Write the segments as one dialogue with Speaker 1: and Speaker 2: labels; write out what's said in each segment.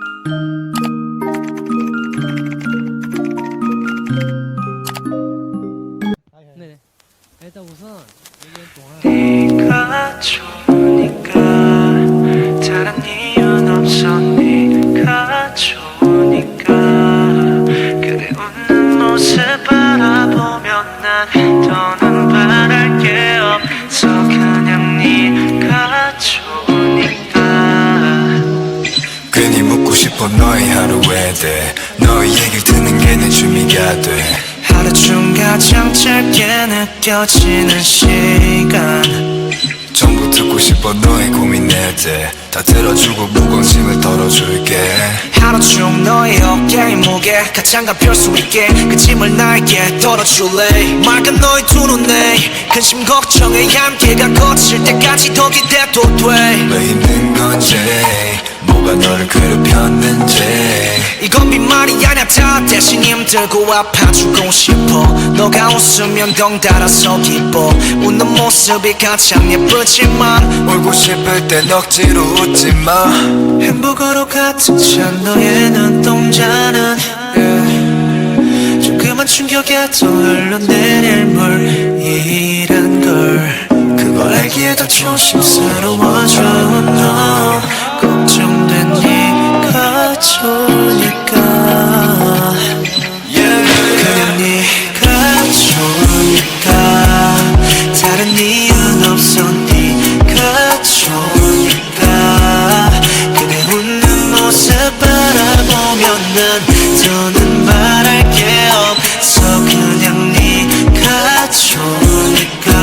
Speaker 1: 네네. 일단 우선 1년 동안
Speaker 2: 네가 좋으니까 다른 이유는 없어. 네가 좋으니까 그대 웃는 모습 바라보면 난 더는 바랄 게 없어. 그냥 네가 좋으니까.
Speaker 3: 괜히 묻고 싶어 너의 하루에 대해 너의 얘기를 듣는 게 내 취미가 돼.
Speaker 2: 하루 중 가장 짧게 느껴지는 시간.
Speaker 3: 전부 듣고 싶어 너의 고민에 대해 다 들어주고 무관심을 덜어줄게.
Speaker 2: 하루 중 너의 어깨의 무게 가장 가벼울 수 있게 그 짐을 나에게 덜어줄래. 맑은 너의 두 눈에 근심 걱정의 한계가 거칠 때까지 더 기대도 돼.
Speaker 3: 왜 힘든 건지 뭐가 너를 괴롭혔는지.
Speaker 2: 이건 빈말이 아냐 다 대신 힘들고 아파주고 싶어. 너가 웃으면 덩달아서 기뻐. 웃는 모습이 가장 예쁘지만
Speaker 3: 울고 싶을 땐 억지로 웃지 마.
Speaker 2: 행복으로 가득 찬 너의 눈동자는 조그만 충격에 더 흘러내릴 물이란 걸. 그걸 알기에 더 조심스러워져. 너 걱정된 네가 좋으니까. 그냥 네가 좋으니까 다른 이유는 없어. 네가 좋으니까 그대 웃는 모습 바라보면 난 더는 말할 게 없어. 그냥 네가 좋으니까.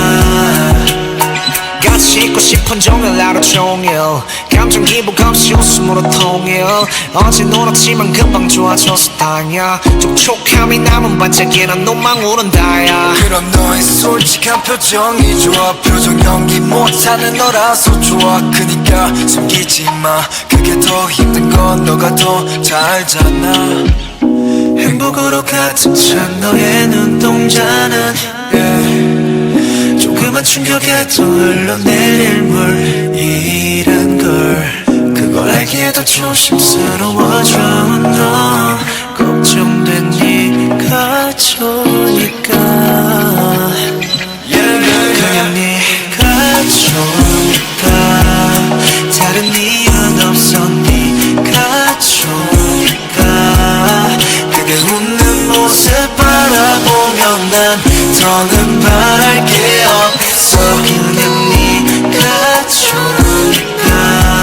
Speaker 2: 같이 있고 싶은 종일 하루 종일 감정 기복 없이 웃음으로 통일. 어제 놀았지만 금방 좋아져서 다행이야. 촉촉함이 남은 반짝이는 눈망 오른다야.
Speaker 3: 그럼 너의 솔직한 표정이 좋아. 표정 연기 못하는 너라서 좋아. 그니까 숨기지 마. 그게 더 힘든 건 너가 더 잘 알잖아.
Speaker 2: 행복으로 가득 찬 너의 눈동자는 조그만 충격에 더 흘러내릴 물이란 걸. 그걸 알기에 더 조심스러워져. 너 걱정된 네가 좋으니까. 그냥 네가 좋으니까 다른 이유는 없어. 네가 좋으니까 그대 웃는 모습 바라보면 난 더는 바랄 게 없어. 그냥 네가 좋으니까.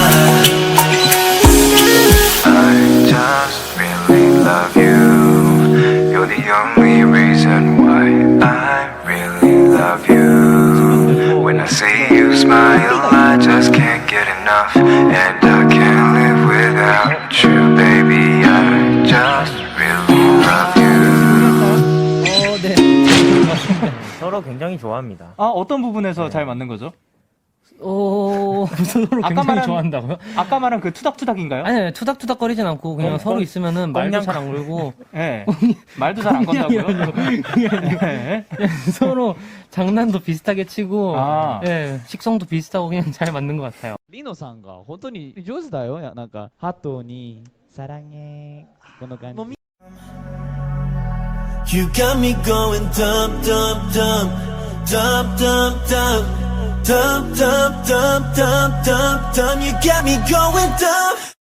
Speaker 3: I just really love you. You're the only reason why I really love you. When I see you smile, I just can't get enough. And I can't live without you, baby. I just really love you.
Speaker 1: 네.
Speaker 4: 서로 굉장히 좋아합니다.
Speaker 5: 아, 어떤 부분에서 잘 맞는 거죠?
Speaker 1: 서로
Speaker 5: 아까
Speaker 1: 굉장히
Speaker 5: 말한-
Speaker 1: 좋아한다고요?
Speaker 5: 아까 말한 그 투닥투닥인가요?
Speaker 1: 아니 투닥투닥거리진 않고 그냥 서로 있으면은 말도
Speaker 4: 꽁냥-
Speaker 1: 잘 안 걸고
Speaker 5: 네. 말도 잘 안 건다고요? 네.
Speaker 1: 그냥 서로 장난도 비슷하게 치고
Speaker 5: 아.
Speaker 1: 예, 식성도 비슷하고 그냥 잘 맞는 것 같아요.
Speaker 6: リノさんが本当に上手だよ。なんか、ハトに、サラゲー、この感じ。
Speaker 2: You got me going dump, dump, dump, dump, dump, dump, dump, dump, dump, dump, dump, dump. You got me going dump.